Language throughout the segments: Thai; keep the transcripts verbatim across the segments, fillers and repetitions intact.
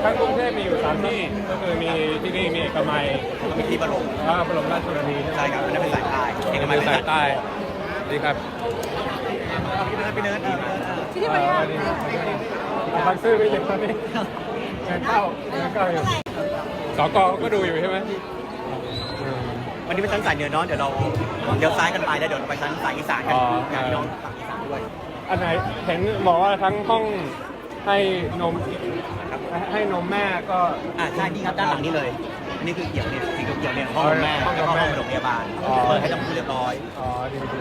ทั้งกรุงเทพมีอยู่สามที่ก็คือมีที่นี่มีเอกมัยมีที่บรมแล้วก็บรมราชชนนีใช่ครับอันนั้นเป็นสายใต้เอกมัยสายใต้ดีครับพี่เนิร์ดพี่เนิร์ดที่ที่มันยากบางซื่อไปอยู่ตอนนี้เงินเข้าเงินเข้าอยู่สกก็ดูอยู่ใช่ไหมวันนี้เป็นชั้นสายเหนือเนาะเดี๋ยวเราเดี๋ยวซ้ายกันไปแล้วเดี๋ยวเราไปชั้นสายอีสานกันงานพี่น้องฝั่งอีสานด้วยอันไหนเห็นบอกว่าทั้งห้องให้นมให้นมแม่ก็อ่าใช่นี่ครับด้านหลังนี่เลยอันนี้คือเกี่ยวเนี่ยสีเขียวเนี่ยห้องแม่แล้วก็ห้องโรงพยาบาลเปิดให้ทั้งคู่เรียบร้อยอ๋อดีดี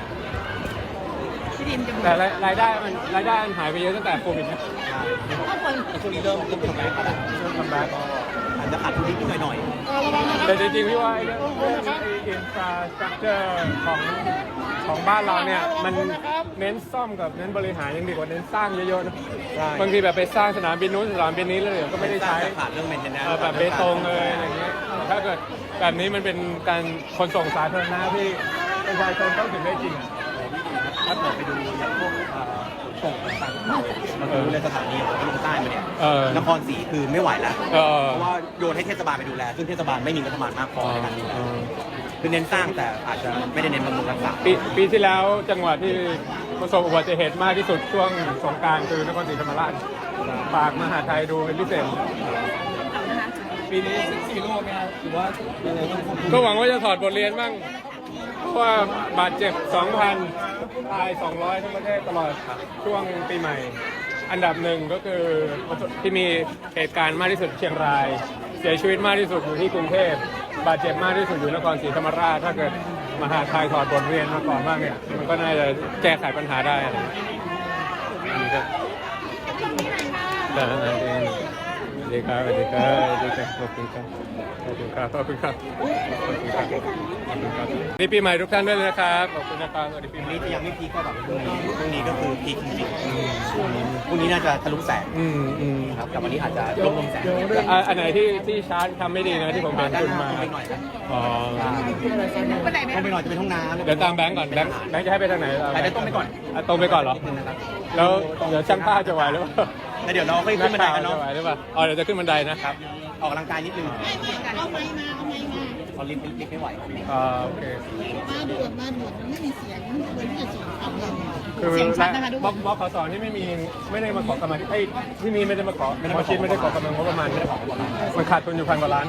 ที่ดินจะแต่รายได้มันรายได้มันหายไปเยอะตั้งแต่โควิดนะข้างบนช่วงนี้เริ่มเริ่มทำแบ็คแล้วเริ่มทำแบ็คอาจจะขาดทุนนิดหน่อยหน่อยแต่จริงๆพี่ว่าไอ้เรื่องอินฟราสตรักเจอร์ของของบ้านเราเนี่ยมันเน้นซ่อมกับเน้นบริหารยังดีกว่าเน้นสร้างเยอะๆนะบางทีแบบไปสร้างสนามบินนู้นสนามบินนี้แล้วเดี๋ยวก็ไม่ได้ใช้ขาดเรื่องเมนเทนแนนเออแบบเบตงเลยอะไรอย่างเงี้ยถ้าเกิดแบบนี้มันเป็นการขนส่งสาธารณะที่ประชาชนต้องถึงได้จริงอ่ะถ้าเกิดไปดูอย่างพวกส่งต่างๆมาดูในสถานีของลงใต้มาเนี่ยเออนครศรีคือไม่ไหวแล้วเออเพราะว่าโยนให้เทศบาลไปดูแลซึ่งเทศบาลไม่มีงบประมาณมากพอในการดูแลคือเน้นสร้างแต่อาจจะไม่ได้เน้นบำรุงรักษาปีปีที่แล้วจังหวัดที่ประสบอุบัติเหตุมากที่สุดช่วงสงกรานต์คือนครศรีธรรมราชฝากมหาไทยดูเป็นพิเศษปีนี้ซีโร่ไหมครับหรือว่าอะไรต้องควบคุมก็หวังว่าจะถอดบทเรียนบ้างเพราะว่าบาดเจ็บ สองพัน ตาย สองร้อย ทั้งประเทศตลอดช่วงปีใหม่ อันดับหนึ่งก็คือที่มีเหตุการณ์มากที่สุดเชียงราย เสียชีวิตมากที่สุดอยู่ที่กรุงเทพบาดเจ็บมากที่สุดอยู่นครศรีธรรมราชถ้าเกิดมหาไทยถอดบทเรียนมาก่อนบ้างเนี่ยมันก็น่าจะแก้ไขปัญหาได้อะไรนี่ครับสวัสดีครับสวัสดีครับสวัสดีครับขอบคุณครับขอบคุณครับขอบคุณครับขอบคุณครับขอบคุณครับดีปีใหม่ทุกท่านด้วยนะครับขอบคุณนะครับสวัสดีปีวันใหม่นี้จะยังไม่พีคก็แบบพรุ่งนี้พรุ่งนี้ก็คือพีคจริงๆพรุ่งนี้น่าจะทะลุแสนอืมอืมครับแต่วันนี้อาจจะลงลงแสนอ่ะอันไหนที่ที่ชาร์จทำไม่ดีนะที่ผมเห็นคุณมาไปหน่อยนะอ๋อคนไหนไหมต้องไปหน่อยจะเป็นห้องน้ำเดี๋ยวตามแบงก์ก่อนแบงก์แบงก์จะให้ไปทางไหนไปได้ต้องไปก่อนอ่ะตรงไปก่อนเหรอนิดนึงนะครับแล้วเดี๋ยวช่างภาพจะไหวหรือเปล่าแล้วเดี๋ยวเราค่อยขึ้นบันไดกันจะเนาะไหวหรือเปล่าอ๋อเดี๋ยวจะขึ้นบันไดนะครับออกกำลังกายนิดนึงเอาไม้มาเอาไม้มาพอลิฟต์ลิฟต์ไม่ไหวอ่าโอเคมาด่วนมาด่วนมันไม่มีเสียงเหมือนที่จะส่งคำเราคือเสียงชัดนะคะทุกบคล็อกนบล็อกขอสอนที่ไม่มีไม่ได้มาขอกำลังไอ้ยที่นี่ไม่ได้มาขอหมอชิดไม่ได้ขอกำลังงบประมาณไม่ได้ขอมันขาดทุนอยู่พันกว่าล้าน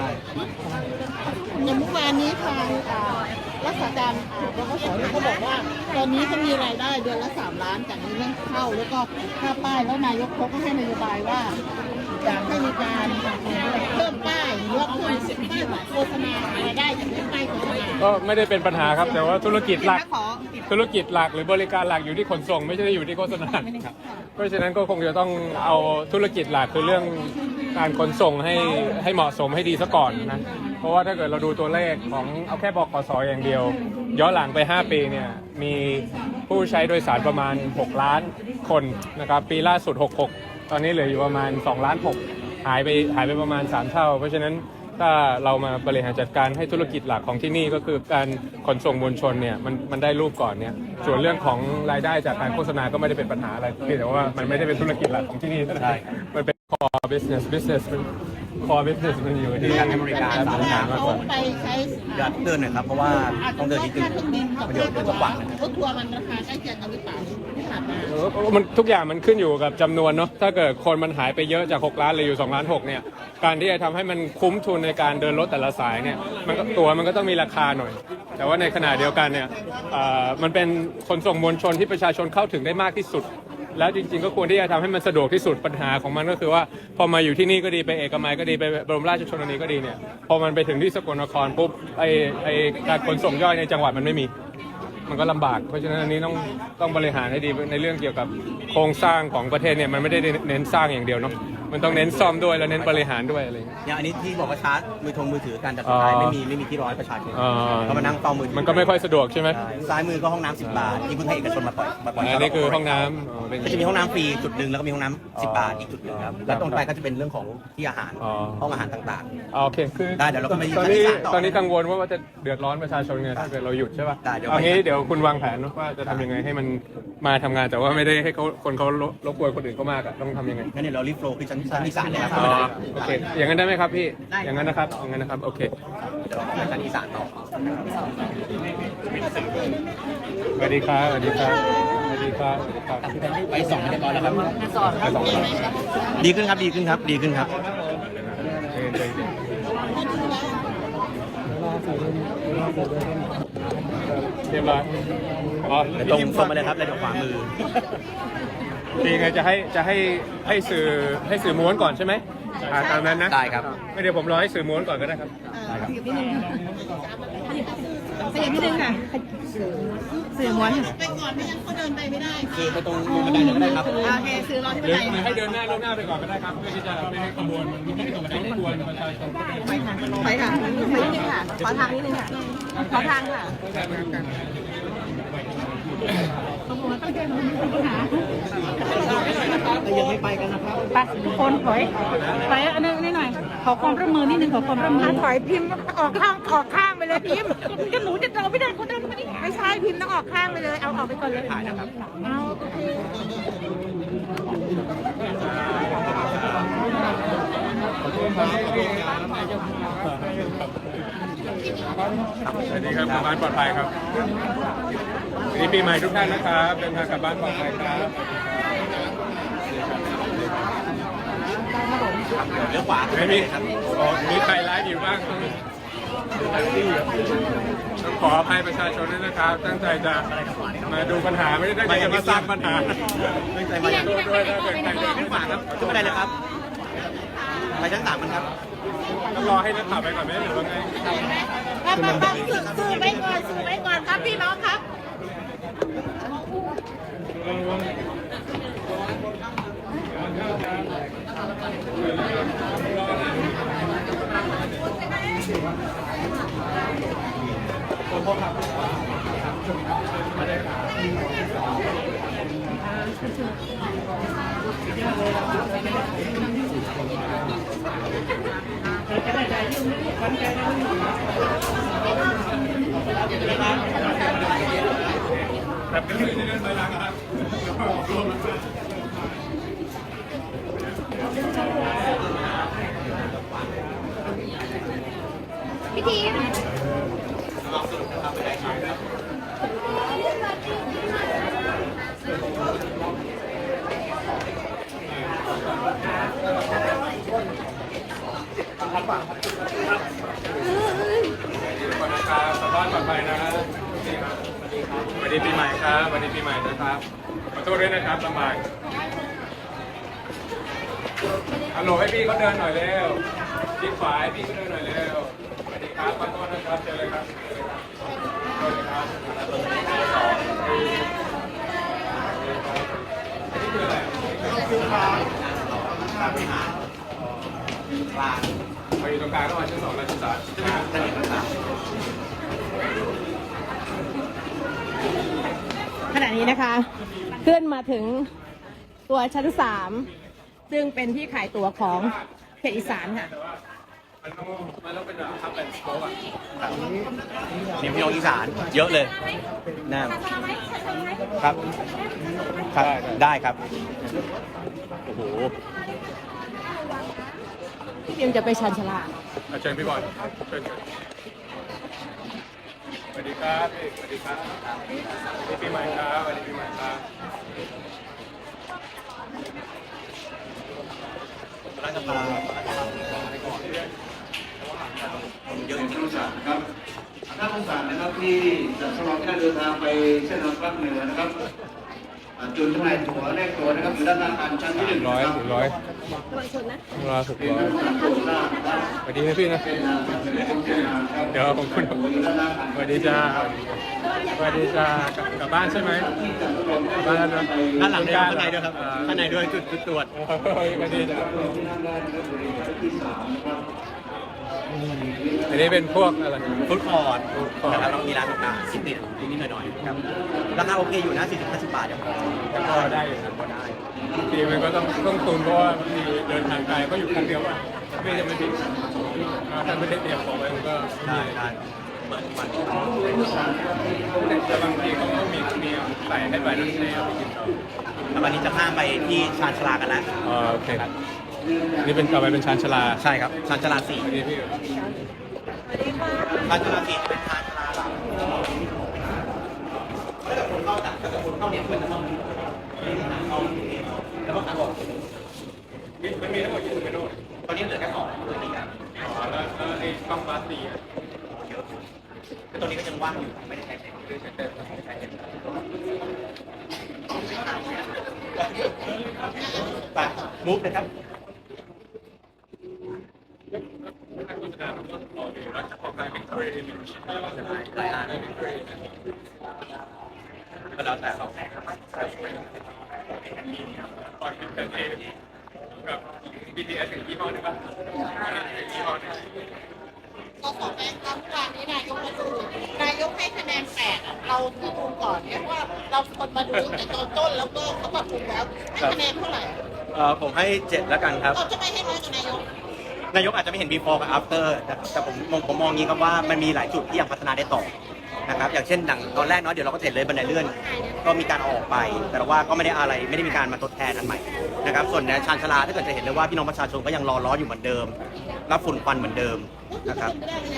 อย่างเมื่อวานนี้ทางอ่ารักษาการบกสเขาบอกว่า ตอนนี้เขามีรายได้เดือนละสามล้านจากเรื่องเข้าแล้วก็ค่าป้ายแล้วนายกเขาก็ให้นโยบายว่าอยากให้มีการเพิ่มป้ายหรือว่าเพิ่มป้ายโฆษณารายได้จากเรื่องป้ายโฆษณาก็ไม่ได้เป็นปัญหาครับแต่ว่าธุรกิจหลักขอธุรกิจหลักหรือบริการหลักอยู่ที่ขนส่งไม่ใช่อยู่ที่โฆษณาเพราะฉะนั้นก็คงจะต้องเอาธุรกิจหลักคือเรื่องการขนส่งให้ให้เหมาะสมให้ดีซะก่อนนะเพราะว่าถ้าเกิดเราดูตัวเลขของเอาแค่บกสอย่างเดียว ย้อนหลังไปห้าปีเนี่ยมีผู้ใช้โดยสารประมาณหกล้านคนนะครับปีล่าสุดหกสิบหกตอนนี้เหลืออยู่ประมาณสองล้านหกหายไปหายไปประมาณสามเท่า เพราะฉะนั้นถ้าเรามาบริหารจัดการให้ธุรกิจหลักของที่นี่ก็คือการขนส่งมวลชนเนี่ยมันมันได้รูปก่อนเนี่ยส่วนเรื่องของรายได้จากการโฆษณาก็ไม่ได้เป็นปัญหาอะไรเพียงแต่ว่ามันไม่ได้เป็นธุรกิจหลักของที่นี่เท่านั้นมันเป็น core business business มัน core business มันอยู่ที่การให้บริการบริการมากกว่าไปใช้เดือนเดินหน่อยครับเพราะว่าต้องเดินนิดนึงค่าเครื่องบินกับมันเดี๋ยวค่าเดี๋ยวต้องหวังนะรถทัวร์มันราคาใกล้เคียงกันหรือเปล่าที่ผ่านมาเออมันทุกอย่างมันขึ้นอยู่กับจำนวนเนาะถ้าเกิดคนมันหายไปเยอะจากหกล้านเหลืออยู่สองล้านหกเนี่ยการที่จะทำให้มันคุ้มทุนในการเดินรถแต่ละสายเนี่ยมันก็ตัวมันก็ต้องมีราคาหน่อย แต่ว่าในขณะเดียวกันเนี่ยเอ่อมันเป็นขนส่งมวลชนที่ประชาชนเข้าถึงได้มากที่สุด แล้วจริงๆก็ควรที่จะทำให้มันสะดวกที่สุดปัญหาของมันก็คือว่าพอมาอยู่ที่นี่ก็ดีไปเอกมัยก็ดีไปบรมราชชนนีก็ดีเนี่ยพอมันไปถึงที่สกลนครปุ๊บไอไอการขนส่งย่อยในจังหวัดมันไม่มี มันก็ลำบาก เพราะฉะนั้นอันนี้ต้องต้องบริหารให้ดีในเรื่องเกี่ยวกับโครงสร้างของประเทศเนี่ยมันไม่ได้เน้นสร้างอย่างเดียวเนาะมันต้องเน้นซ่อมด้วยแล้วเน้นบริหารด้วยอะไรอย่างเงี้ยอย่างอันนี้ที่บอกว่าชาร์จมือทงมือถือการจัดสุดท้ายไม่มีไม่มีที่ร้อยประชาชนอ๋อเขามานั่งเฝ้ามือถืมันก็ไม่ค่อยสะดวกใช่ไหมใช่ซ้ายมือก็ห้องน้ำสิบบาทที่เพิ่งให้เอกชนมาปล่อยมาปล่อยอันนี้คือห้องน้ำอ๋อเป็นก็จะมีห้องน้ำฟรีจุดหนึ่งแล้วก็มีห้องน้ำสิบบาทอีกจุดหนึ่งครับแล้วตรงไปก็จะเป็นเรื่องของที่อาหารอ๋อห้องอาหารต่างอ๋อโอเคคือได้เดี๋ยวเราก็ไปตอนนี้ชั้นที่สามต่อตอนนี้กังวลว่าจะเดือดร้อนประชาชนไงถ้าเกิดเราหยุดใช่ป่ะได้เดี๋ยวเอางี้เดี๋ยวยวคุณวางแผนว่าจะทำยังไงให้มันมาทำงานแต่ว่าไม่ได้ให้เขาคนเขารบกวนคนอื่นเขามากอะต้องทำยังไงงั้นเดี๋ยวเรารีบโฟล์ขึ้นชั้นชั้นอีสานเลยครับอ๋อโอเคอย่างนั้นได้ไหมครับพี่อย่างนั้นนะครับอย่างนั้นนะครับโอเคเดี๋ยวเราไปชั้นอีสานต่อสวัสดีครับสวัสดีครับสวัสดีครับสวัสดีครับไปสองเรียบร้อยแล้วครับสอนไปสองคนดีขึ้นครับดีขึ้นครับดีขึ้นครับเรียบร้อยอ๋อเดี๋ยวตรงตรงมาเลยครับแล้วเดี๋ยวขวามือทีไงจะให้จะให้ให้สื่อให้สื่อม้วนก่อนใช่ไหมอ่าตามนั้นนะได้ครับไม่เดี๋ยวผมรอให้สื่อม้วนก่อนก็ได้ครับขยับนิดนึงขยับนิดนึงค่ะสื่อม้วนไปก่อนไม่งั้นเขาเดินไปไม่ได้คือไปตรงบันไดเลยก็ได้ครับโอเคสื่อรอที่หบันรือไดหรือให้เดินหน้าล่วงหน้าไปก่อนก็ได้ครับเพื่อที่จะไม่ให้ขบวนมันไม่ให้ขบวนรบกวนประชาชนไปค่ะไปค่ะไปนิดนึงค่ะขอทางนิดนึงค่ะขอทางค่ะยังไม่ไปกันนะครับไปทุกคนถอยถอยอันนี้นิดหน่อย ขอความร่วมมือนิดนึงขอความร่วมมือถอยพิมพ์ออกข้างออกข้างไปเลยพิมพ์จะหนูจะเราไม่ได้คนเดินไม่ได้ไม่ใช่พิมพ์ต้องออกข้างไปเลย เอาออกไปก่อนเลยถ่ายนะครับเอาโอเคสวัสดีครับกลับบ้านปลอดภัยครับสวัสดีปีใหม่ทุกท่านนะครับเดินทางกลับบ้านปลอดภัยครับเลี้ยวขวาไม่มีอ๋อมีใครไลฟ์อยู่บ้างต้องขออภัยประชาชนด้วยนะครับ ตั้งใจจะมาดูปัญหาไม่ได้ตั้งใจจะมาสร้างปัญหาตั้งใจมาจากด้วยด้วยถ้าเกิดใครเดินขึ้นขวาครับขึ้นบันไดเลยครับไปชั้นสามกันครับต้องรอให้นักข่าวไปก่อนไหมหรือว่าไงปั๊บปั๊บปั๊บสื่อสื่อไปก่อนสื่อไปก่อนครับพี่น้องครับแบบนี้จะเดินไปหลังครับพิธีก่อนนะครับกลับบ้านปลอดภัยนะสวัสดีปีใหม่ครับสวัสดีปีใหม่นะครับขอโทษด้วยนะครับลำบากฮัลโหลให้พี่เขาเดินหน่อยเร็วชิดขวาให้พี่เขาเดินหน่อยเร็วสวัสดีครับขอโทษนะครับเจอเลยครับเจอเลยครับนี่คืออะไรการบริหารกลางไปอยู่ตรงกลางระหว่างชั้นสองและชั้นสามชั้นหนึ่งชั้นสามขณะนี้นะคะขึ้นมาถึงตัวชั้นสามซึ่งเป็นที่ขายตั๋วของเขตอีสานค่ะมันต้องมันต้องเป็นแบบทับเป็นสโป๊กอ่ะทีมพี่น้องอีสานเยอะเลยน่าครับครับได้ครับโอ้โหพี่พิมจะไปชันชลาเชิญพี่บอลเชิญเชิญสวัสดีครับพี่สวัสดีครับสวัสดีปีใหม่ครับสวัสดีปีใหม่ครับรัฐบาลเยอะท่านผู้ชมนะครับท่านผู้ชมนะครับที่จะสำหรับการเดินทางไปเส้นทางภาคเหนือนะครับอ่าจุดจำหน่ายตั๋วแลกตั๋วนะครับอยู่ด้านหน้าอาคารชั้นที่หนึ่งร้อยนะครับถึงร้อยร้อยหกร้อยสวัสดีนะพี่นะเดี๋ยวผมคุณสวัสดีจ้าสวัสดีจ้ากลับบ้านใช่ไหมกลับบ้านแล้วนะด้านหลังด้วยข้างในด้วยครับข้างในด้วยจุดจุดตรวจโอ้ยสวัสดีจ้าอันนี้เป็นพวกอะไรฟุตคอร์ด Food court นะครับแล้วมีร้านต่างๆสิบนิดนิดหน่อยๆครับราคาโอเคอยู่นะสี่สิบห้าสิบบาทเดี๋ยวแต่ก็ได้อยู่นะก็ได้ทีมันก็ต้องต้องตุนเพราะว่าบางทีเดินทางไกลก็อยู่คันเดียวอ่ะไม่จะไม่ผิดถ้าไม่ได้เตรียมของไว้มันก็ได้ได้เปิดมันแต่บางทีเขาก็มีมีใส่ให้ไปนั่นเองเอาไปกินต่อแล้ววันนี้จะข้ามไปที่ชานชาลากันแล้วอ๋อโอเคนี่เป็นต่อไปเป็นชานชาลาใช่ครับชานชาลาสี่สวัสดีพี่ชานชาลาสี่จะเป็นชานชาลาหลักถ้าเกิดคนเข้าจากถ้าเกิดคนเข้าเนี่ยมันจะต้องเข้าแล้วก็ทางออกมันมีทั้งหมดกี่เมนูตอนนี้เหลือแค่สองเหลืออีกอ่ะอ๋อแล้วแล้วไอ้บังบาสตีอ่ะเยอะคือตอนนี้ก็ยังว่างอยู่ไม่ได้ใช้เต็มไม่ได้ใช้เต็มไม่ได้ใช้เต็มไปมูฟเลยครับนักโฆษณาผมก็รอดูแล้วจะออกมาเป็นครีเอทีฟหลายอันก็แล้วแต่เราตอนเป็นเอกับ บี ที เอส ถึงยี่ห้อหนึ่งป่ะยี่ห้อหนึ่งก็ขอแจ้งครับวันนี้นายกมาดูนายกให้คะแนนแปดอะเราที่ดูก่อนเนี่ยว่าเราคนมาดูแต่ตอนต้นแล้วก็เขาปรับปรุงแล้วให้คะแนนเท่าไหร่เอ่อผมให้เจ็ดแล้วกันครับเราจะไม่ให้น้อยกว่านายกนายกอาจจะไม่เห็น before กับ after นะครับแต่ผมมองผมมองอย่างนี้ครับว่ามันมีหลายจุดที่ยังพัฒนาได้ต่อนะครับอย่างเช่นดังตอนแรกเนาะเดี๋ยวเราก็เห็นเลยบันไดเลื่อน ก็มีการเอาออกไป แต่ว่าก็ไม่ได้อะไรไม่ได้มีการมาทดแทนอันใหม่นะครับส่วนในชานชาลาถ้าเกิดจะเห็นเลยว่าพี่น้องประชาชนก็ยังรอร้อนอยู่เหมือนเดิมรับฝุ่นควันเหมือนเดิมนะครับ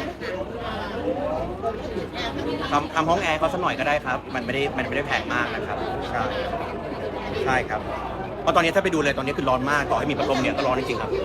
ทำทำห้องแอร์เขาสักหน่อยก็ได้ครับ มันไม่ได้มันไม่ได้แพงมากนะครับใช่ใช่ครับเพราะตอนนี้ถ้าไปดูเลยตอนนี้คือร้อนมากต่อให้มีพัดลมเนี่ยก็ร้อนจริงๆครับ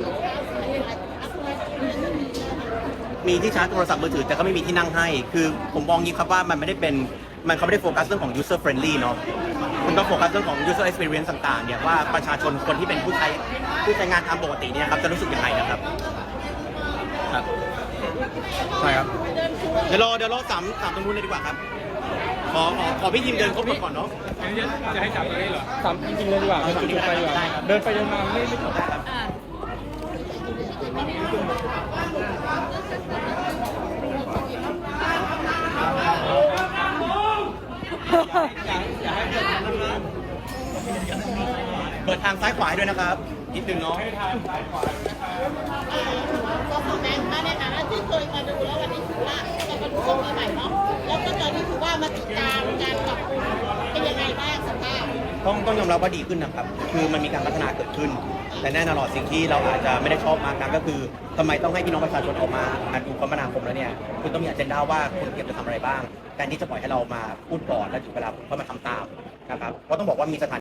มีที่ชาร์จโทรศัพท์มือถือแต่ก็ไม่มีที่นั่งให้ คือผมมองงี้ครับว่ามันไม่ได้เป็นมันเขาไม่ได้โฟกัสเรื่องของ user friendly เนาะคุณต้องโฟกัสเรื่องของ user experience ต่างๆเนี่ยว่าประชาชนคนที่เป็นผู้ใช้ผู้ใช้งานทางปกติเนี่ยครับจะรู้สึกยังไงนะครับครับใช่ครับเดี๋ยวรอเดี๋ยวรอสามสามตรงนู้นเลยดีกว่าครับขอขอขอพี่ยิมเดินครบก่อนเนาะอันนี้จะให้จับตรงนี้เหรอสามจริงๆเลยดีกว่ามันจุดไปดีกว่าเดินไปเดินมาไม่ไม่จบเปิดทางซ้ายขวาให้ด้วยนะครับนิดนึงเนาะก็คอมเมนต์มาในฐานะที่เคยมาดูแล้ววันนี้ถือว่าจะมาดูตรงนี้ใหม่เนาะแล้วก็ตอนนี้ถือว่ามาติดตามการปรับปรุงเป็นยังไงบ้างสภาพต้องต้องยอมรับว่าดีขึ้นนะครับ คือมันมีการพัฒนาเกิดขึ้น แต่แน่นอนสิ่งที่เราอาจจะไม่ได้ชอบมากนักก็คือทำไมต้องให้พี่น้องประชาชนออกมาอ่านดูคมนาคมแล้วเนี่ยคุณต้องมีอเจนดาว่าคุณเก็บจะทำอะไรบ้างแทนที่จะปล่อยให้เรามาพูดก่อนแล้วถึงเวลาผมก็มาทำตามนะครับเพราะต้องบอกว่ามีสถาน